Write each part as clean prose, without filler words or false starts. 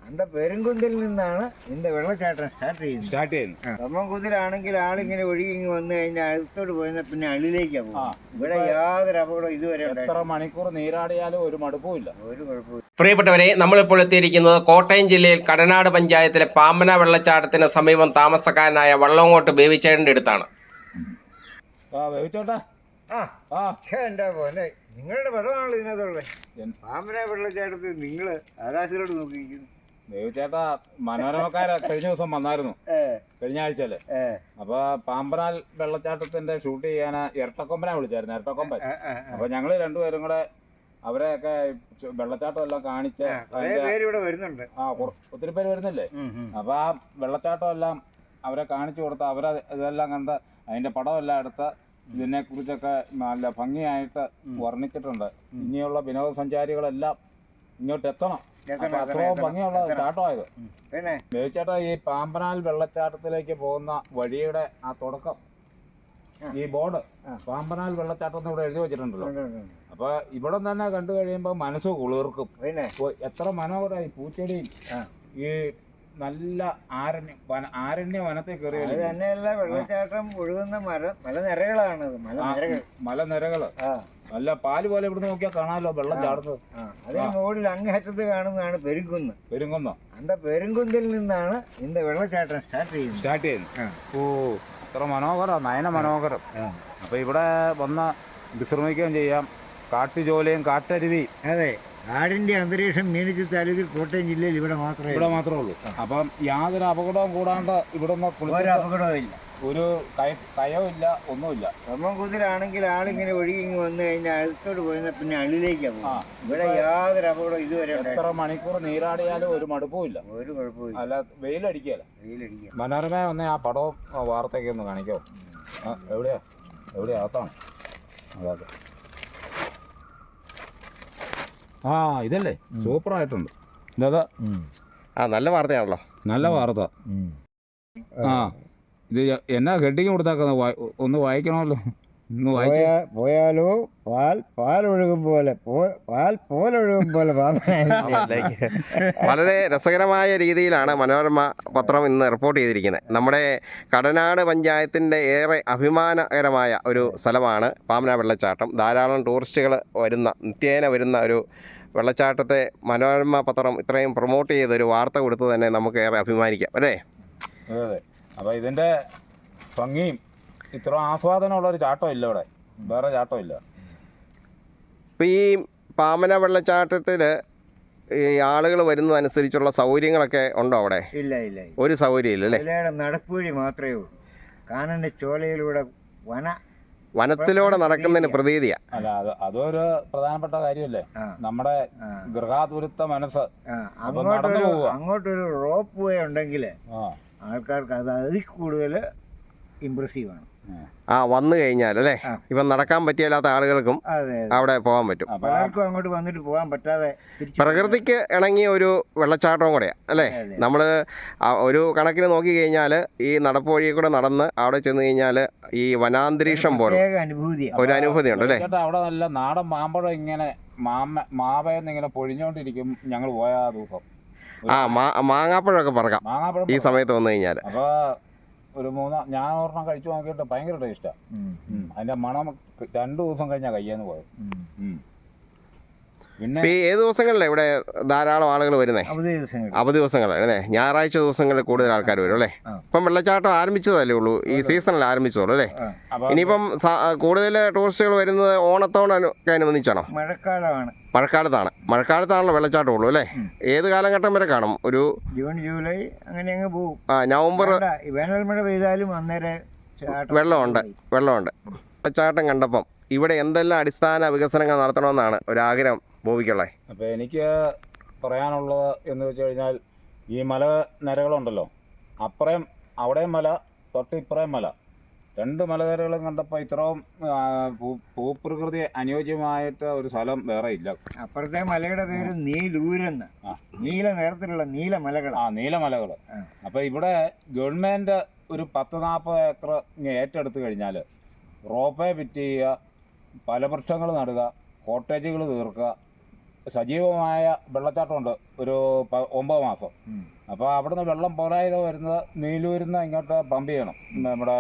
அந்த പെരുങ്കുന്തിൽ നിന്നാണ് ഇതിന്റെ വെള്ളച്ചാട്ടം സ്റ്റാർട്ട് ചെയ്യുന്നത്. തൊമ്മൻകുന്തിലാണെങ്കിൽ ആളിങ്ങനെ ഒഴുകി ഇങ്ങ് വന്നു കഴിഞ്ഞാൽ അടുത്തോട്ട് പോയിരുന്ന പിന്നെ അള്ളിലേക്കാ പോകും. ഇവിടെ യാതൊരു അപകടം ഇതുവരെ എത്ര മണിക്കൂർ നീരാടിയാലും ഒരു മടുപ്പുമില്ല, ഒരു കുഴപ്പമില്ല. പ്രിയപ്പെട്ടവരെ, നമ്മളിപ്പോൾ എത്തിയിരിക്കുന്നത് കോട്ടയം ജില്ലയിൽ കടനാട് പഞ്ചായത്തിലെ പാമ്പന വെള്ളച്ചാട്ടത്തിന് സമീപം താമസക്കാരനായ വള്ളങ്ങോട്ട് ബേബിച്ചേട്ടൻ്റെ അടുത്താണ്. എന്താ പോലെ നിങ്ങളുടെ വെള്ളമാണല്ലോ ഇതിനകത്തുള്ളത്. പാമ്പന വെള്ളച്ചാട്ടത്തിൽ നിങ്ങൾ ആകാശത്തോട് നോക്കിയിരിക്കുന്നു. ദേവിച്ചേട്ടാ, മനോരമക്കാര കഴിഞ്ഞ ദിവസം വന്നായിരുന്നു, കഴിഞ്ഞ ആഴ്ചയല്ലേ. അപ്പൊ പാമ്പനാൽ വെള്ളച്ചാട്ടത്തിന്റെ ഷൂട്ട് ചെയ്യാൻ ഇരട്ടക്കൊമ്പനെ വിളിച്ചായിരുന്നു, ഇരട്ടക്കൊമ്പൻ. അപ്പൊ ഞങ്ങള് രണ്ടുപേരും കൂടെ അവരെയൊക്കെ വെള്ളച്ചാട്ടം എല്ലാം കാണിച്ച് വരുന്നുണ്ട്. ഒത്തിരി പേര് വരുന്നില്ലേ. അപ്പൊ ആ വെള്ളച്ചാട്ടം എല്ലാം അവരെ കാണിച്ചു കൊടുത്ത് അവരെ ഇതെല്ലാം കണ്ട് അതിന്റെ പടമെല്ലാം എടുത്ത് ഇതിനെ കുറിച്ചൊക്കെ നല്ല ഭംഗിയായിട്ട് വർണ്ണിച്ചിട്ടുണ്ട്. ഇനിയുള്ള വിനോദസഞ്ചാരികളെല്ലാം ഇങ്ങോട്ട് എത്തണം. അത്രയും ഭംഗിയുള്ള ചാട്ടമായത്. ബേബിച്ചേട്ടാ, ഈ പാമ്പനാൽ വെള്ളച്ചാട്ടത്തിലേക്ക് പോകുന്ന വഴിയുടെ ആ തുടക്കം, ഈ ബോർഡ് പാമ്പനാൽ വെള്ളച്ചാട്ടം എന്ന് ഇവിടെ എഴുതി വെച്ചിട്ടുണ്ടല്ലോ. അപ്പൊ ഇവിടെ തന്നെ കണ്ടു കഴിയുമ്പോ മനസ്സ് കുളിർക്കും. എത്ര മനോഹരമായി പൂച്ചെടിയും ഈ നല്ല ആരണ്യ വനത്തിൽ കയറി. തന്നെയല്ല, വെള്ളച്ചാട്ടം ഒഴുകുന്ന മലനിരകളാണ്. മലനിരകള് നല്ല പാല് പോലെ ഇവിടുന്ന് നോക്കിയാൽ കാണാമല്ലോ വെള്ളം ചാടുന്നത്. അതേ മുകളിൽ അങ്ങേറ്റത്ത് കാണുന്നതാണ് പെരുങ്കുന്ന്. அந்த പെരുങ്കുന്തിൽ നിന്നാണ് ഇതിന്റെ വെള്ളച്ചാട്ടം സ്റ്റാർട്ട് ചെയ്യുന്നത്. ഓ, അത്ര മനോഹരം, നയന മനോഹരം. അപ്പൊ ഇവിടെ വന്ന് വിശ്രമിക്കുകയും ചെയ്യാം. കാട്ടുചോലയും കാട്ടരുവി. അതെ, കാടിന്റെ അന്തരീക്ഷം മീനച്ചി താലൂക്കിൽ കോട്ടയം ജില്ലയിൽ ഇവിടെ മാത്രമേ ഉള്ളൂ. അപ്പം യാതൊരു അപകടവും കൂടാണ്ട് ഇവിടെ ഒരു അപകടവും ഇല്ല, ഒരു കയവും ഇല്ല, ഒന്നുമില്ല. തൊമ്മൻകുന്തിലാണെങ്കിൽ ആളിങ്ങനെ ഒഴുകി ഇങ്ങ് വന്നു കഴിഞ്ഞാൽ അടുത്തോട്ട് പോയിരുന്ന പിന്നെ അള്ളിലേക്കാ പോകും. ഇവിടെ യാതൊരു അപകടം ഇതുവരെ. എത്ര മണിക്കൂർ നീരാടിയാലും ഒരു മടുപ്പുമില്ല, ഒരു കുഴപ്പമില്ല. അല്ല, വെയിലടിക്കുകയല്ല. മനോരമ ഒന്ന് ആ പടവും വാർത്തയൊക്കെ ഒന്ന് കാണിക്കാമോ? എവിടെയാ അകത്താണ്? അതെ, ഇതല്ലേ, സൂപ്പറായിട്ടുണ്ട്. ഇതാ, നല്ല വാർത്തയാണല്ലോ, നല്ല വാർത്ത. ഇത് എന്നാ ഹെഡിങ് കൊടുത്താക്കുന്ന, ഒന്ന് വായിക്കണമല്ലോ. പോയാലോ പാലൊഴുകും പോലെ വളരെ രസകരമായ രീതിയിലാണ് മനോരമ പത്രം ഇന്ന് റിപ്പോർട്ട് ചെയ്തിരിക്കുന്നത്. നമ്മുടെ കടനാട് പഞ്ചായത്തിൻ്റെ ഏറെ അഭിമാനകരമായ ഒരു സ്ഥലമാണ് പാമ്പന വെള്ളച്ചാട്ടം. ധാരാളം ടൂറിസ്റ്റുകൾ നിത്യേന വരുന്ന ഒരു വെള്ളച്ചാട്ടത്തെ മനോരമ പത്രം ഇത്രയും പ്രൊമോട്ട് ചെയ്തൊരു വാർത്ത കൊടുത്ത് തന്നെ നമുക്ക് ഏറെ അഭിമാനിക്കാം, അല്ലേ? അതെ. അപ്പോൾ ഇതിൻ്റെ ഭംഗിയും ഇത്ര ആസ്വാദനമുള്ളൊരു ചാട്ടം ഇല്ല ഇവിടെ, വേറെ ചാട്ടം ഇല്ല. ഇപ്പോൾ ഈ പാമ്പന വെള്ളച്ചാട്ടത്തിൽ ഈ ആളുകൾ വരുന്നതനുസരിച്ചുള്ള സൗകര്യങ്ങളൊക്കെ ഉണ്ടോ അവിടെ? ഇല്ല, ഒരു സൗകര്യം ഇല്ല, അല്ലേ? നടപ്പുവഴി മാത്രമേ ഉള്ളൂ. കാനന്റെ ചോലയിലൂടെ വനത്തിലൂടെ നടക്കുന്നതിന് പ്രതീതിയാണ്. അല്ല, അതൊരു പ്രധാനപ്പെട്ട കാര്യമല്ലേ, നമ്മുടെ ഗൃഹാതുരത്വ മനസ്സ്. അങ്ങോട്ടൊരു റോപ്പ് വേ ഉണ്ടെങ്കിൽ ആൾക്കാർക്ക് അത് അതിൽ കൂടുതൽ ഇംപ്രസീവാണ്. വന്നു കഴിഞ്ഞാൽ, അല്ലേ? ഇപ്പം നടക്കാൻ പറ്റിയല്ലാത്ത ആളുകൾക്കും അവിടെ പോകാൻ പറ്റും. പലർക്കും അങ്ങോട്ട് വന്നിട്ട് പോകാൻ പറ്റാതെ പ്രകൃതിക്ക് ഇണങ്ങിയ ഒരു വെള്ളച്ചാട്ടവും കൂടെയാണ്, അല്ലേ? നമ്മൾ ഒരു കണക്കിന് നോക്കി കഴിഞ്ഞാൽ ഈ നടപ്പ് വഴി കൂടെ നടന്ന് അവിടെ ചെന്ന് കഴിഞ്ഞാൽ ഈ വനാന്തരീക്ഷം പോലെ ഒരു അനുഭൂതി ഉണ്ട്, അല്ലേ? അവിടെ നല്ല നാടൻ മാമ്പഴം ഇങ്ങനെ മാവയെന്നിങ്ങനെ പൊഴിഞ്ഞോണ്ടിരിക്കും. ഞങ്ങൾ പോയ ദിവസം മാങ്ങാപ്പഴമൊക്കെ പറക്കാം ഈ സമയത്ത് വന്നു കഴിഞ്ഞാൽ. അപ്പോൾ ഞാൻ ഒരെണ്ണം കഴിച്ചു നോക്കിയിട്ട് ഭയങ്കര ടേസ്റ്റാണ്. അതിൻ്റെ മണം 2 ദിവസം കഴിഞ്ഞാൽ കയ്യാന്ന് പോയത്. പിന്നെ ഏത് ദിവസങ്ങളിലാണ് ഇവിടെ ധാരാളം ആളുകൾ വരുന്നത്? അവധി ദിവസങ്ങളാണ്, അല്ലേ? ഞായറാഴ്ച ദിവസങ്ങളിൽ കൂടുതൽ ആൾക്കാർ വരും, അല്ലേ? ഇപ്പം വെള്ളച്ചാട്ടം ആരംഭിച്ചതല്ലേ ഉള്ളൂ, ഈ സീസണിൽ ആരംഭിച്ചോളൂ, അല്ലേ? ഇനിയിപ്പം കൂടുതൽ ടൂറിസ്റ്റുകൾ വരുന്നത് ഓണത്തോടൊക്കെ അനുബന്ധിച്ചാണോ? മഴക്കാലത്താണല്ലോ വെള്ളച്ചാട്ടം ഉള്ളൂ, അല്ലേ? ഏത് കാലഘട്ടം വരെ കാണും? ഒരു ജൂൺ ജൂലൈ അങ്ങനെ അങ്ങ് പോകും. നവംബർ വേനൽ മഴ പെയ്താലും അന്നേരം വെള്ളമുണ്ട്. വെള്ളച്ചാട്ടം കണ്ടപ്പം ഇവിടെ എന്തെല്ലാം അടിസ്ഥാന വികസനങ്ങൾ നടത്തണമെന്നാണ് ഒരാഗ്രഹം ബോബിക്കുള്ളത്? അപ്പോൾ എനിക്ക് പറയാനുള്ളത് എന്ന് വെച്ച് കഴിഞ്ഞാൽ, ഈ മലനിരകളുണ്ടല്ലോ, അപ്പുറം അവിടെയും മല, തൊട്ടിപ്പുറയും മല, 2 മലനിരകളും കണ്ടപ്പോൾ ഇത്രയും ഭൂപ്രകൃതി അനുയോജ്യമായിട്ട് ഒരു സ്ഥലം വേറെ ഇല്ല. അപ്പുറത്തെ മലയുടെ പേര് നീലൂരെന്ന്, നീല നിറത്തിലുള്ള നീലമലകൾ. നീലമലകൾ. അപ്പോൾ ഇവിടെ ഗവൺമെൻറ് ഒരു 10-40 ഏക്കർ ഏറ്റെടുത്ത് കഴിഞ്ഞാൽ റോപ്പേ ഫിറ്റ് ചെയ്യുക, ഫലവൃക്ഷങ്ങൾ നടുക, കോട്ടേജുകൾ തീർക്കുക, സജീവമായ വെള്ളച്ചാട്ടമുണ്ട് ഒരു 9 മാസം. അപ്പോൾ അവിടുന്ന് വെള്ളം പോരായത് വരുന്നത് നീലൂരിൽ നിന്ന് ഇങ്ങോട്ട് പമ്പ് ചെയ്യണം. നമ്മുടെ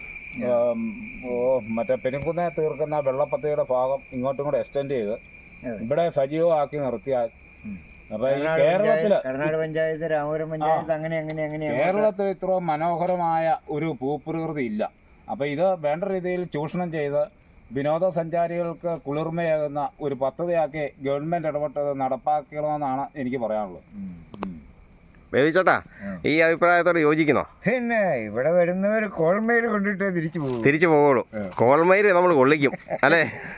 മറ്റേ പെരുങ്കുന്നെ തീർക്കുന്ന വെള്ളപ്പത്തിയുടെ ഭാഗം ഇങ്ങോട്ടും കൂടെ എക്സ്റ്റെൻഡ് ചെയ്ത് ഇവിടെ സജീവമാക്കി നിർത്തിയാൽ അപ്പൊ ഈ കേരളത്തില് കർണാടക പഞ്ചായത്ത്, രാമപുരം പഞ്ചായത്ത് അങ്ങനെ കേരളത്തിൽ ഇത്ര മനോഹരമായ ഒരു ഭൂപ്രകൃതി ഇല്ല. അപ്പൊ ഇത് വേണ്ട രീതിയിൽ ചൂഷണം ചെയ്ത് വിനോദസഞ്ചാരികൾക്ക് കുളിർമയാകുന്ന ഒരു പദ്ധതിയാക്കി ഗവൺമെന്റ് ഇടപെട്ടത് നടപ്പാക്കണമെന്നാണ് എനിക്ക് പറയാനുള്ളത്. ബേബിച്ചേട്ടാ, ഈ അഭിപ്രായത്തോട് യോജിക്കുന്നോ? പിന്നെ ഇവിടെ വരുന്നവർ കോൾമേര് കൊണ്ടിട്ട് തിരിച്ചു പോവുള്ളൂ. കോൾമേര് നമ്മൾ കൊള്ളിക്കും അല്ലേ?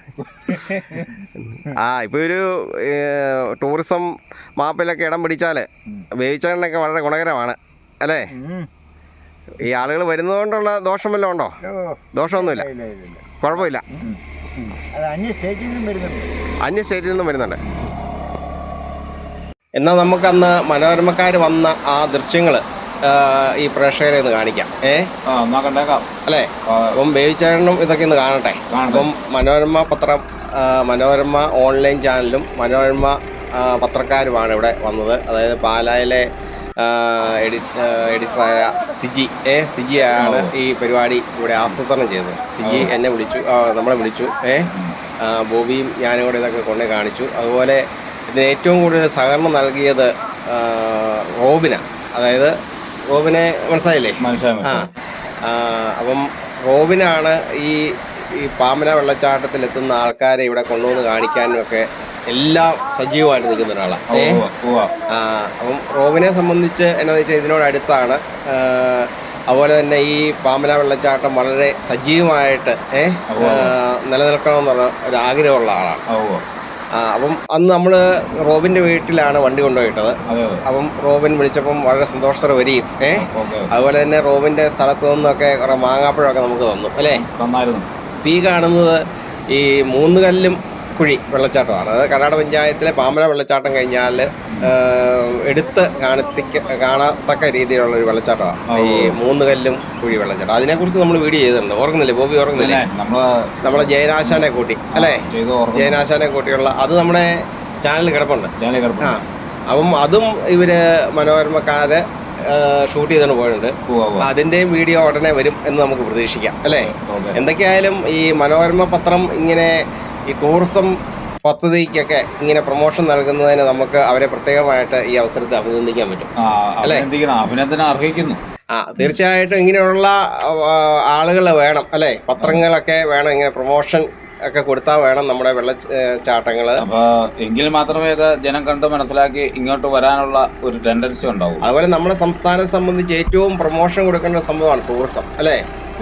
ഇപ്പോൾ ഒരു ടൂറിസം മാപ്പിലൊക്കെ ഇടം പിടിച്ചാൽ ബേബിച്ചേട്ടനൊക്കെ വളരെ ഗുണകരമാണ് അല്ലേ? ഈ ആളുകൾ വരുന്നതുകൊണ്ടുള്ള ദോഷം വല്ലതും ഉണ്ടോ? ദോഷമൊന്നുമില്ല, കുഴപ്പമില്ല. അന്യ സ്റ്റേറ്റിൽ നിന്നും വരുന്നുണ്ട്. എന്നാൽ നമുക്കന്ന് മനോരമക്കാർ വന്ന ആ ദൃശ്യങ്ങൾ ഈ പ്രേക്ഷകരെ ഒന്ന് കാണിക്കാം. അല്ലേ? അപ്പം ബേബിച്ചേട്ടനും ഇതൊക്കെ ഒന്ന് കാണട്ടെ. അപ്പം മനോരമ പത്രം, മനോരമ ഓൺലൈൻ ചാനലും മനോരമ പത്രക്കാരുമാണ് ഇവിടെ വന്നത്. അതായത് പാലായിലെ എഡിറ്ററായ സിജിയാണ് ഈ പരിപാടി ഇവിടെ ആസൂത്രണം ചെയ്തത്. സിജി എന്നെ വിളിച്ചു, നമ്മളെ വിളിച്ചു. ബോബിയും ഞാനും കൂടെ ഇതൊക്കെ കൊണ്ടേ കാണിച്ചു. അതുപോലെ ഇതിന് ഏറ്റവും കൂടുതൽ സഹകരണം നൽകിയത് റോബിനാണ്. അതായത് റോബിനെ മനസ്സിലായില്ലേ? അപ്പം റോബിനാണ് ഈ പാമ്പന വെള്ളച്ചാട്ടത്തിലെത്തുന്ന ആൾക്കാരെ ഇവിടെ കൊണ്ടുവന്ന് കാണിക്കാനും ഒക്കെ എല്ലാം സജീവമായിട്ട് നിൽക്കുന്ന ഒരാളാണ്. അപ്പം റോബിനെ സംബന്ധിച്ച് എന്നാന്ന് വെച്ചാൽ ഇതിനോടടുത്താണ്. അതുപോലെ തന്നെ ഈ പാമ്പന വെള്ളച്ചാട്ടം വളരെ സജീവമായിട്ട് നിലനിൽക്കണമെന്നുള്ള ഒരു ആഗ്രഹമുള്ള ആളാണ്. അപ്പം അന്ന് നമ്മൾ റോബിൻ്റെ വീട്ടിലാണ് വണ്ടി കൊണ്ടുപോയിട്ടത്. അപ്പം റോബിൻ വിളിച്ചപ്പം വളരെ സന്തോഷത്തോടെ വരികയും അതുപോലെ തന്നെ റോബിൻ്റെ സ്ഥലത്ത് നിന്നൊക്കെ കുറേ മാങ്ങാപ്പഴമൊക്കെ നമുക്ക് തന്നു അല്ലേ? ഈ കാണുന്നത് ഈ മൂന്നുകല്ലും കുഴി വെള്ളച്ചാട്ടമാണ്. അതായത് കർണാടക പഞ്ചായത്തിലെ പാമ്പന വെള്ളച്ചാട്ടം കഴിഞ്ഞാൽ എടുത്ത് കാണത്തക്ക രീതിയിലുള്ള ഒരു വെള്ളച്ചാട്ടമാണ് ഈ മൂന്നുകല്ലും കുഴി വെള്ളച്ചാട്ടം. അതിനെക്കുറിച്ച് നമ്മൾ വീഡിയോ ചെയ്തിട്ടുണ്ട്. ഓർക്കുന്നില്ലേ ബോബി? ഓർക്കുന്നില്ലേ? നമ്മളെ ജയനാശാനെ കൂട്ടി അല്ലേ? ജയനാശാനെ കൂട്ടിയുള്ള അത് നമ്മുടെ ചാനലിൽ കിടപ്പുണ്ട്. അപ്പം അതും ഇവര് മനോരമക്കാര് ഷൂട്ട് ചെയ്തുകൊണ്ട് പോയിട്ടുണ്ട്. അതിൻ്റെയും വീഡിയോ ഉടനെ വരും എന്ന് നമുക്ക് പ്രതീക്ഷിക്കാം അല്ലേ? എന്തൊക്കെയായാലും ഈ മനോരമ പത്രം ഇങ്ങനെ ഈ ടൂറിസം പദ്ധതിക്കൊക്കെ ഇങ്ങനെ പ്രൊമോഷൻ നൽകുന്നതിന് നമുക്ക് അവരെ പ്രത്യേകമായിട്ട് ഈ അവസരത്തിൽ അഭിനന്ദിക്കാൻ പറ്റും അല്ലേ? അഭിനന്ദനം അർഹിക്കുന്നു. തീർച്ചയായിട്ടും ഇങ്ങനെയുള്ള ആളുകൾ വേണം അല്ലേ? പത്രങ്ങളൊക്കെ വേണം, ഇങ്ങനെ പ്രൊമോഷൻ ഒക്കെ കൊടുത്താൽ വേണം നമ്മുടെ വെള്ളച്ചാട്ടങ്ങൾ. എങ്കിൽ മാത്രമേ ഇത് ജനം കണ്ട് മനസ്സിലാക്കി ഇങ്ങോട്ട് വരാനുള്ള ഒരു ടെൻഡൻസി ഉണ്ടാവും. അതുപോലെ നമ്മുടെ സംസ്ഥാനത്തെ സംബന്ധിച്ച് ഏറ്റവും പ്രൊമോഷൻ കൊടുക്കേണ്ട സംഭവമാണ് ടൂറിസം അല്ലേ?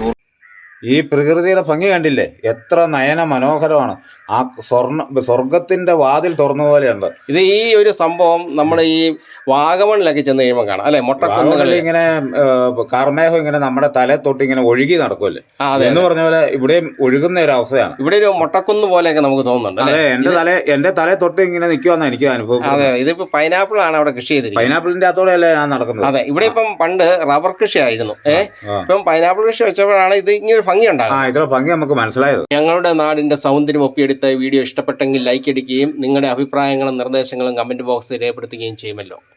ഈ പ്രകൃതിയുടെ ഭംഗി കണ്ടില്ലേ? എത്ര നയന മനോഹരമാണ്. ആ സ്വർഗത്തിന്റെ വാതിൽ തുറന്ന പോലെയുണ്ട്. ഇത് ഈ ഒരു സംഭവം നമ്മുടെ ഈ വാഗമണിലൊക്കെ ചെന്ന് കഴിയുമ്പോൾ കാണാം അല്ലെ? മൊട്ടക്കുന്നുകളിൽ ഇങ്ങനെ കാർമേഘം ഇങ്ങനെ നമ്മുടെ തലേ തൊട്ട് ഇങ്ങനെ ഒഴുകി നടക്കുമല്ലേ എന്ന് പറഞ്ഞ പോലെ ഇവിടെയും ഒഴുകുന്ന ഒരു അവസ്ഥയാണ്. ഇവിടെ ഒരു മൊട്ടക്കുന്ന് പോലെയൊക്കെ നമുക്ക് തോന്നുന്നുണ്ട്. അതെ, എന്റെ തലേ തൊട്ട് ഇങ്ങനെ നിൽക്കുവാന്ന് എനിക്ക് അനുഭവം. അതെ, ഇതിപ്പോ പൈനാപ്പിൾ ആണ് അവിടെ കൃഷി ചെയ്തിരിക്കുന്നത്. പൈനാപ്പിളിന്റെ അകത്തോടെയല്ലേ ഞാൻ നടക്കുന്നത്. അതെ, ഇവിടെ ഇപ്പം പണ്ട് റബ്ബർ കൃഷി ആയിരുന്നു. ഇപ്പം പൈനാപ്പിൾ കൃഷി വെച്ചപ്പോഴാണ് ഇത് ഇങ്ങനെ ഭംഗി ഉണ്ടാകും. ഇത്ര ഭംഗി നമുക്ക് മനസ്സിലായത്. ഞങ്ങളുടെ നാടിന്റെ സൗന്ദര്യം ഒപ്പിയെടുത്ത വീഡിയോ ഇഷ്ടപ്പെട്ടെങ്കിൽ ലൈക്ക് അടിക്കുകയും നിങ്ങളുടെ അഭിപ്രായങ്ങളും നിർദ്ദേശങ്ങളും കമന്റ് ബോക്സിൽ രേഖപ്പെടുത്തുകയും ചെയ്യുമല്ലോ.